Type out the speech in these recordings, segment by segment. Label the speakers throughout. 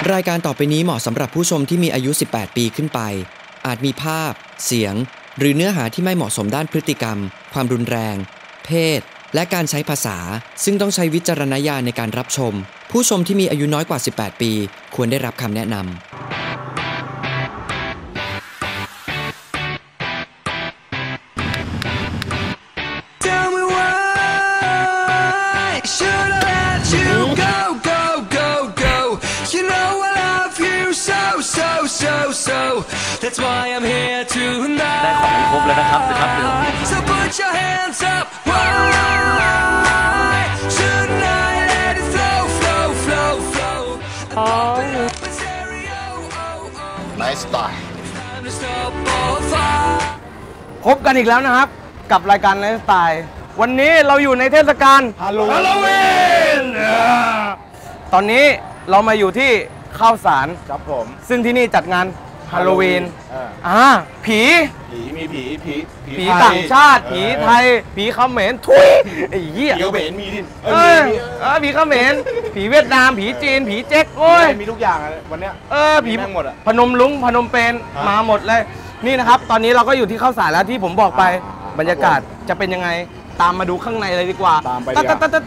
Speaker 1: รายการต่อไปนี้เหมาะสำหรับผู้ชมที่มีอายุ 18 ปีขึ้นไปอาจมีภาพเสียงหรือเนื้อหาที่ไม่เหมาะสมด้านพฤติกรรมความรุนแรงเพศและการใช้ภาษาซึ่งต้องใช้วิจารณญาณในการรับชมผู้ชมที่มีอายุน้อยกว่า 18 ปีควรได้รับคำแนะนำ
Speaker 2: That's why I'm here tonight ได้ของครบแล้วนะครับเดี๋ยวครับ So put your hands up Why shouldn't I let it flow flow flow flow
Speaker 3: Nice style
Speaker 4: พบกันอีกแล้วนะครับกับรายการไลฟ์สไตล์วันนี้เราอยู่ในเทศกาลฮาโลวีนตอนนี้เรามาอยู่ที่ข้าวสารครับผมซึ่งที่นี่จัดงานฮาโลวีนผี
Speaker 3: มีผี
Speaker 4: ต่างชาติผีไทยผีเขมรทุยไอ้เหี้ย
Speaker 3: ผีเขมรมีดิ
Speaker 4: ผีเขมรผีเวียดนามผีจีนผีเจ๊กโอ้ย
Speaker 3: มีทุกอย่างวันเนี้ย
Speaker 4: ผีหมดอะพนมลุงพนมเปญมาหมดเลยนี่นะครับตอนนี้เราก็อยู่ที่ข้าวสารแล้วที่ผมบอกไปบรรยากาศจะเป็นยังไงตามมาดูข้างในเลยดีกว่า
Speaker 3: ตามไป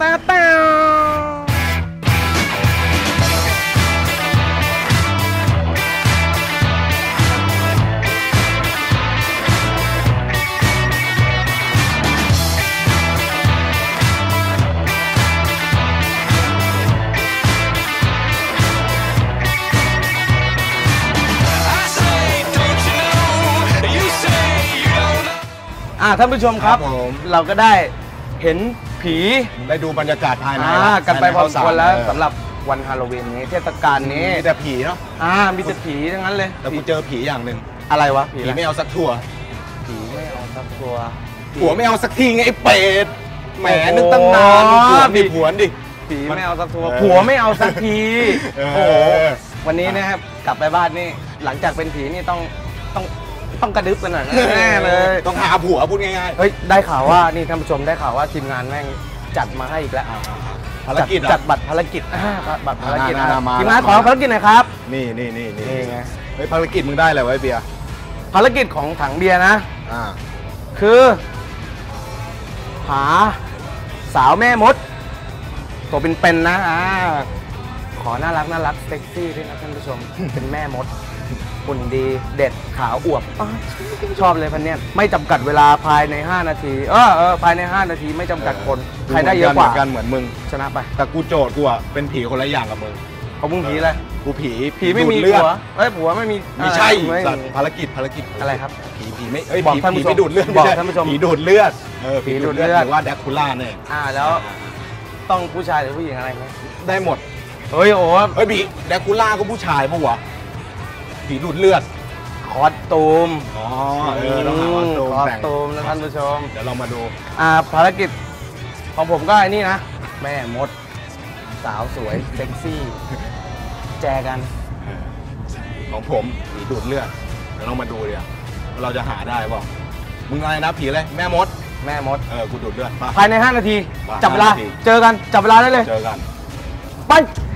Speaker 4: ท่านผู้ชมครับเราก็ได้เห็นผี
Speaker 3: ได้ดูบรรยากาศภายใน
Speaker 4: กันไปพอสมควรแล้วสำหรับวันฮาโลวีนนี้เทศกาลนี้
Speaker 3: มีแต่ผีเนาะ
Speaker 4: มีแต่ผีทั้งนั้นเลย
Speaker 3: แต่กูเจอผีอย่างหนึ่ง
Speaker 4: อะไรวะ
Speaker 3: ผีไม่เอาสักทัว
Speaker 4: ผีไม่เอาสักทัว
Speaker 3: ผัวไม่เอาสักทีไงไอ้เป็ดแหมนึกตั้งนานผีผัวดิ
Speaker 4: ผีไม่เอาสักทัวผัวไม่เอาสักทีโอ้วันนี้นะครับกลับไปบ้านนี่หลังจากเป็นผีนี่ต้องกระดึ๊บกันหน่อยแน่เลย
Speaker 3: ต้องหาผัวพูดง่าย
Speaker 4: ๆเฮ้ยได้ข่าวว่านี่ท่านผู้ชมได้ข่าวว่าทีมงานแม่งจัดมาให้อีกแล้ว
Speaker 3: ภารกิจ
Speaker 4: จัดบัตรภารกิจบัตรภารกิจทีมงานขอภารกิจหน่อยครับ
Speaker 3: นี่ไงเฮ้ยภารกิจมึงได้อะไรไว้เบียร์
Speaker 4: ภารกิจของถังเบียร์นะคือหาสาวแม่มดตัวเป็นๆนะขอน่ารักเซ็กซี่ด้วยนะท่านผู้ชมเป็นแม่มดหุ่นดีเด็ดขาวอวบชอบเลยพันเนี้ยไม่จำกัดเวลาภายใน5นาทีภายใน5นาทีไม่จำกัดคนใครได้เยอะกว่า
Speaker 3: กันเหมือนมึง
Speaker 4: ชนะไป
Speaker 3: แต่กูโจทย์กูอะเป็นผีคนละอย่างกับมึง
Speaker 4: เขามึงผีอะไร
Speaker 3: กูผี
Speaker 4: ไม่มีผัวผัวไม่มี
Speaker 3: ไม่ใช่ภารกิจ
Speaker 4: อะไรครับ
Speaker 3: ผีไม่บอกท่านผู้ชมดูดเลือด
Speaker 4: บอกท่านผู้ชม
Speaker 3: ผีดูดเลือดผีดูดเลือดหรือว่าแดกคูล่าเนี่ย
Speaker 4: แล้วต้องผู้ชายหรือผู้หญิงอะไรไหม
Speaker 3: ได้หมด
Speaker 4: เฮ้ย
Speaker 3: ผีแดกคูล่าก็ผู้ชายปะวะผีดูดเลือด
Speaker 4: คอสตูม
Speaker 3: ต้องหาคอสตูม
Speaker 4: นะท่านผู้ชม
Speaker 3: เดี๋ยวเรามาดู
Speaker 4: ภารกิจของผมก็ไอ้นี่นะแม่มดสาวสวยเซ็กซี่แจกัน
Speaker 3: ของผมผีดูดเลือดเดี๋ยวเรามาดูเลยเราจะหาได้ป่ะมึงอะไรนะผีอะไรแม่มดกูดูดเลือด
Speaker 4: ภายใน5นาทีจับเวลาเจอกันจับเวลาได้เลย
Speaker 3: เจอกัน
Speaker 4: ไป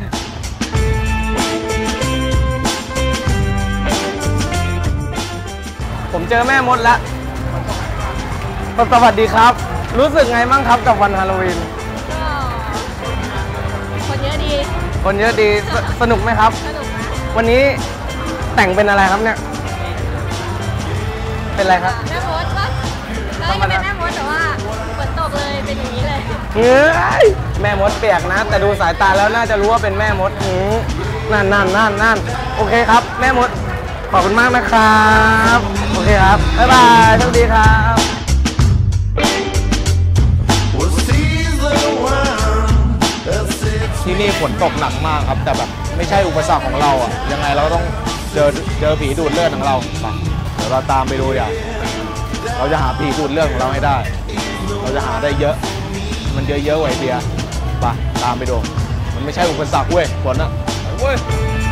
Speaker 4: ผมเจอแม่มดแล้วสวัสดีครับรู้สึกไงบ้างครับกับวันฮาโลวีน
Speaker 5: ก็คนเยอะดี
Speaker 4: สนุกไหมครับ
Speaker 5: สนุกนะ
Speaker 4: วันนี้แต่งเป็นอะไรครับเนี่ยเป็นอะไรครับ
Speaker 5: แม่มดปะก็เป็นแม่มดแต่ว่าฝนตกเลยเป็นอย่างนี้เลย
Speaker 4: แม่มดเปียกนะแต่ดูสายตาแล้วน่าจะรู้ว่าเป็นแม่มดนั่นโอเคครับแม่มดขอบคุณมากนะครับโอเคครับบ๊ายบายสวัสดีครับ
Speaker 3: ที่นี่ฝนตกหนักมากครับแต่แบบไม่ใช่อุปสรรคของเราอ่ะยังไงเราต้องเจอผีดูดเลือดของเราเดี๋ยวเราตามไปดูอย่างเราจะหาผีดูดเลือดของเราให้ได้เราจะหาได้เยอะมันเยอะไว้เบียร์ไปตามไปดูมันไม่ใช่อุปสรรคเว้ยฝนอ่ะเว้ย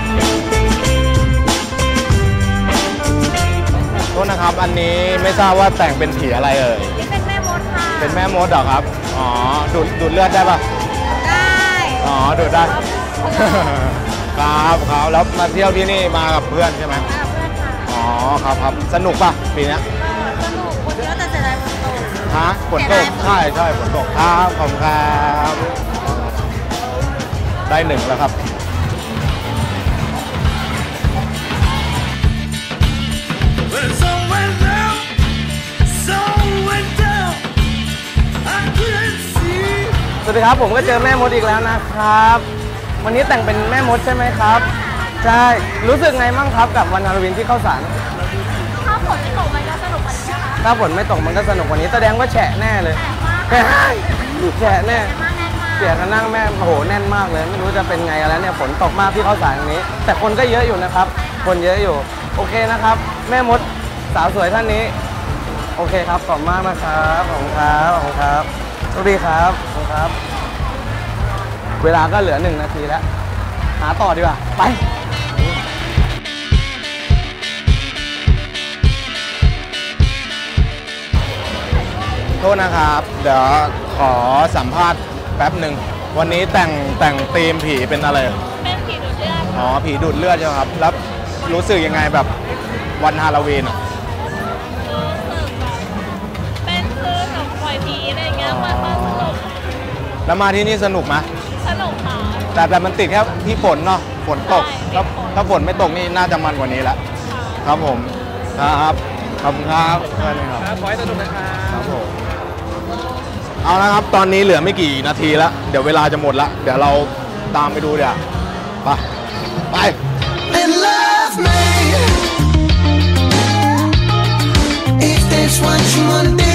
Speaker 3: โทษนะครับอันนี้ไม่ทราบว่าแต่งเป็นผีอะไรเอ่ย
Speaker 5: เป็นแม่มดค่ะ
Speaker 3: เป็นแม่มดเหรอครับดูดเลือดได้ปะ
Speaker 5: ได้
Speaker 3: ดูดได้ครับแล้วมาเที่ยวที่นี่มากับเพื่อนใช่ไหม
Speaker 5: มาเพื่อนค่ะ
Speaker 3: อ๋อครับสนุกป่ะปีเนี้ย
Speaker 5: สนุกคนเยอะแต่เสียดายฝนตก
Speaker 3: ฮะฝนตกใช่ฝนตกครับขอบคุณครับได้หนึ่งแล้วครับ
Speaker 2: When the sun went down, sun went down. I couldn't see.
Speaker 4: สวัสดีครับผมก็เจอแม่มดอีกแล้วนะครับ วันนี้แต่งเป็นแม่มดใช่ไหมครับใช่รู้สึกไงบ้างครับกับวันฮาโลวีนที่เข้าสาร
Speaker 5: ถ้าฝนไม่ตกมันก็สนุกกว่านี้นะคะ
Speaker 4: ถ้าฝนไม่ตกมันก็สนุกกว่านี้แสดงว่าแฉะแน่เลย
Speaker 5: แต่ว่า
Speaker 4: แฉะแน่
Speaker 5: มากแน่นมาก
Speaker 4: เสียกันนั่งแม่โอ้โหแน่นมากเลยไม่รู้จะเป็นไงแล้วเนี่ยฝนตกมากที่เข้าสารอย่างนี้ แต่คนก็เยอะอยู่นะครับ คนเยอะอยู่โอเคนะครับ แม่มดสาวสวยท่านนี้โอเคครับขอบคุณมากนะครับขอบคุณครับสวัสดีครับขอบคุณครับ เวลาก็เหลือ1 นาทีแล้วหาต่อดีกว่าไป
Speaker 3: โทษนะครับเดี๋ยวขอสัมภาษณ์แป๊บหนึ่งวันนี้แต่งธีมผีเป็นอะไร
Speaker 5: เป็นผีดูดเลือด
Speaker 3: อ๋อผีดูดเลือดใช่ไหมครับแล้วรู้สึกยังไงแบบวันฮาโลวีนอะ
Speaker 5: รู้สึกแบบเป็นคือแบบปล่อยผีอะไรอย่างเงี้ยมันสนุก
Speaker 3: แล้วมาที่นี่สนุกไหม
Speaker 5: สนุกค่ะ
Speaker 3: แต่มันติดแค่ที่ฝนเนาะฝนตก
Speaker 5: ใช่
Speaker 3: ถ้าฝนไม่ตกนี่น่าจะมันกว่านี้แล้วครับผมครับขอบคุณครับครับขอให้สนุกนะครับผมเอาละครับตอนนี้เหลือไม่กี่นาทีแล้วเดี๋ยวเวลาจะหมดละเดี๋ยวเราตามไปดูเดี๋ยวไป
Speaker 2: And love me. If that's what you wanna do.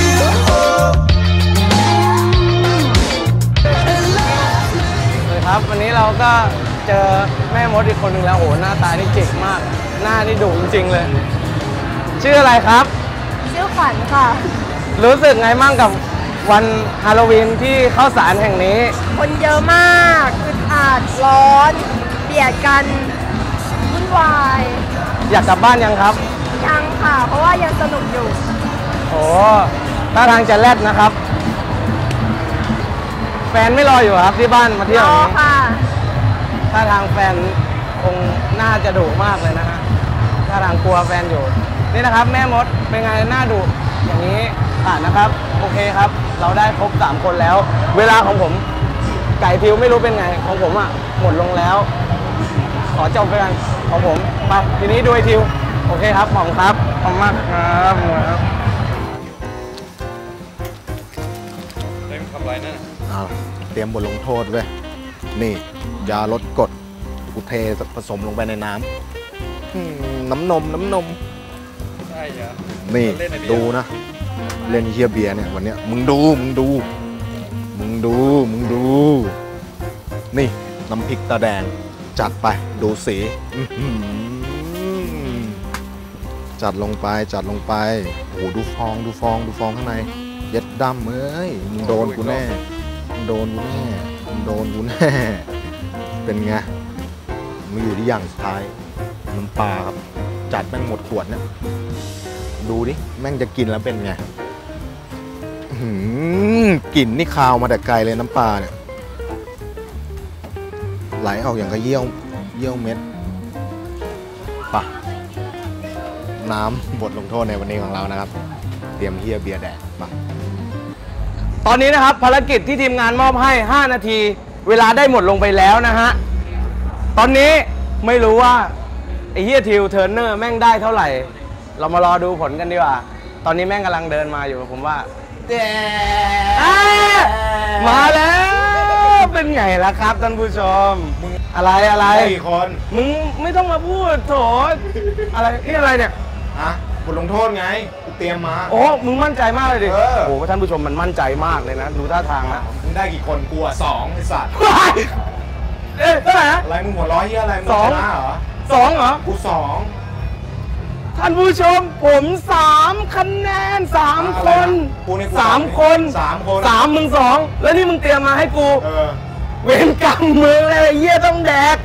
Speaker 2: And love me.
Speaker 4: เลยครับวันนี้เราก็เจอแม่มดอีกคนหนึ่งแล้วโอ้โหหน้าตานี่เก่งมาก หน้านี่ดุจริงๆเลย ชื่ออะไรครับ
Speaker 5: ชื่อขวัญค่ะ
Speaker 4: รู้สึกไงมั่งกับวันฮาโลวีนที่เข้าสารแห่งนี้
Speaker 5: คนเยอะมากอึดอัดร้อนเบียดกันวุ่นวาย
Speaker 4: อยากกลับบ้านยังครับ
Speaker 5: ยังค่ะ เพราะว่ายังสนุกอยู่
Speaker 4: โอ้ท่าทางจะแรดนะครับ แฟนไม่รออยู่ครับที่บ้านมาเที่ยว
Speaker 5: รอ
Speaker 4: นี้
Speaker 5: ค่ะ
Speaker 4: ท่าทางแฟนคงน่าจะดุมากเลยนะฮะท่าทางกลัวแฟนอยู่ นี่นะครับแม่มดเป็นไงหน้าดุอย่างนี้ผ่านนะครับ โอเคครับ เราได้ครบ3 คนแล้ว เวลาของผมไก่ทิวไม่รู้เป็นไงของผมอ่ะหมดลงแล้ว ขอจบไปกันของผมไปทีนี้ดูไอทิวโอเคครับหม่อมครับขอบคุณมากครับ
Speaker 3: เอาเตรียมบทลงโทษเว้ยนี่ยาลดกรดกูเทผสมลงไปในน้ำน้ำนมใช่เหรอนี่ดูนะเล่นเฮียเบียร์เนี่ยวันเนี้ยมึงดูนี่น้ำพริกตาแดงจัดไปดูสีจัดลงไปโอ้โหดูฟองข้างในเย็ดดำเอ้ยมึงโดนกูแน่เป็นไงมึงอยู่ที่อย่างสุดท้ายน้ำปลาครับจัดแม่งหมดขวดเนี่ยดูดิแม่งจะกินแล้วเป็นไงกลิ่นนี่คาวมาแต่ไกลเลยน้ำปลาเนี่ยไหลออกอย่างกระเยี่ยวเม็ดปะน้ำบทลงโทษในวันนี้ของเรานะครับเตรียมเฮียเบียร์แดกปะ
Speaker 4: ตอนนี้นะครับภารกิจที่ทีมงานมอบให้5 นาทีเวลาได้หมดลงไปแล้วนะฮะตอนนี้ไม่รู้ว่าไอ้เฮียทิวเทอร์เนอร์แม่งได้เท่าไหร่ เรามารอดูผลกันดีกว่าตอนนี้แม่งกำลังเดินมาอยู่ผมว่ามาแล้วเป็นไงล่ะครับท่านผู้ชมอะไร
Speaker 3: กี่คน
Speaker 4: มึงไม่ต้องมาพูดโถอะไรนี่อะไรเนี่ย
Speaker 3: บทลงโทษไงกูเตรียมมา
Speaker 4: โอ้มึงมั่นใจมากเลยดิ
Speaker 3: โอ้
Speaker 4: ท่านผู้ชมมันมั่นใจมากเลยนะดูท่าทางนะ
Speaker 3: มึงได้กี่คนกู2ไอ้สัตว์
Speaker 4: เอ๊ะเท่าไหร่นะ
Speaker 3: อะไรมึงหัวร้อยเฮียอะไรมึงชนะเหรอ
Speaker 4: 2เหรอ
Speaker 3: กู2
Speaker 4: ท่านผู้ชมผม3 คะแนน3 คน3 คน3มึง2แล้วนี่มึงเตรียมมาให้กูเวรกรรมมึงเลยเหี้ยต้องแดก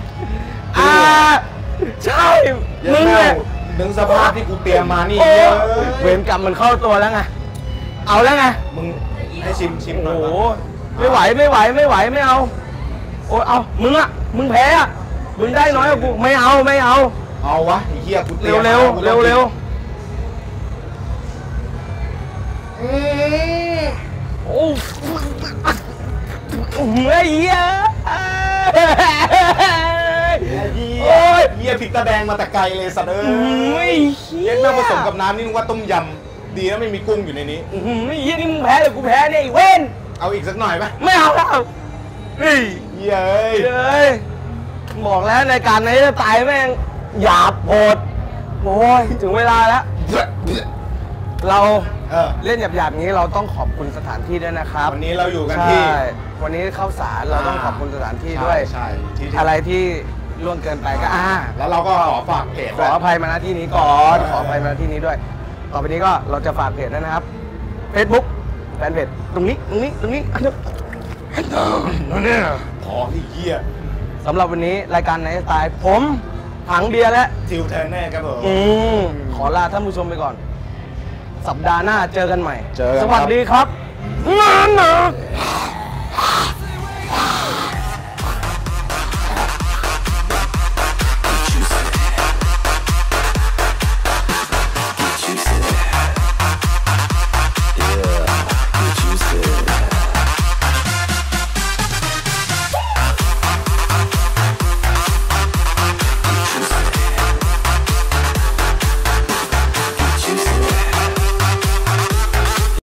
Speaker 4: ใช่มึงเนี่ย
Speaker 3: นึกสภาพที่กูเตรียมมานี่
Speaker 4: เวรกรรมมันเข้าตัวแล้วไงเอาแล้วไง
Speaker 3: มึงให้ชิมหน่อย
Speaker 4: โอ้ไม่ไหวไม่เอาโอ้เอามึงแพ้อะมึงได้น้อยกว่ากูไม่เอา
Speaker 3: เอาวะไอ้เหี้ยกูเตรี
Speaker 4: เร็
Speaker 3: ยว
Speaker 4: เร็วโอ้ไอ้เหี้ย
Speaker 3: โอ้ยเหี้ยพริกตาแดงมาแต่ไกลเลยสัตว์เอ้ยเย็นแม่ผสมกับน้ำนี่นึกว่าต้มยำดีนะไม่มีกุ้งอยู่ในนี้
Speaker 4: ไอ้เหี้ยนี่มึงแพ้หรือกูแพ้เนี่ยไอ้เว้น
Speaker 3: เอาอีกสักหน่อยไหม
Speaker 4: ไม่เอาแล้วเฮ้ย
Speaker 3: เย้ย
Speaker 4: บอกแล้วในการนี้จะตายแม่งหยาบโหดโอ้ยถึงเวลาแล้ว เราเล่นหยาบๆอย่างนี้เราต้องขอบคุณสถานที่ด้วยนะครับ
Speaker 3: วันนี้เราอยู่กันที่
Speaker 4: ใช่วันนี้เข้าสารเราต้องขอบคุณสถานที่ด้วย
Speaker 3: ใช่ที่
Speaker 4: อะไรที่ล่วงเกินไปก็
Speaker 3: แล้วเราก็ขอฝากเพจ
Speaker 4: ขออภัยมาณที่นี้ก่อน ขออภัยมาณที่นี้ด้วย ต่อไปนี้ก็เราจะฝากเพจด้วยนะครับ Facebook แฟนเพจตรงนี้
Speaker 3: ขอที่เหี้ย
Speaker 4: สำหรับวันนี้รายการไนท์สไตล์ผมถังเบียร์และ
Speaker 3: ทิวเทอร์เนอร์ครับผม
Speaker 4: ขอลาท่านผู้ชมไปก่อน สัปดาห์หน้าเจอกันใหม่
Speaker 3: เจอกันครับ
Speaker 4: สวัสดีครับ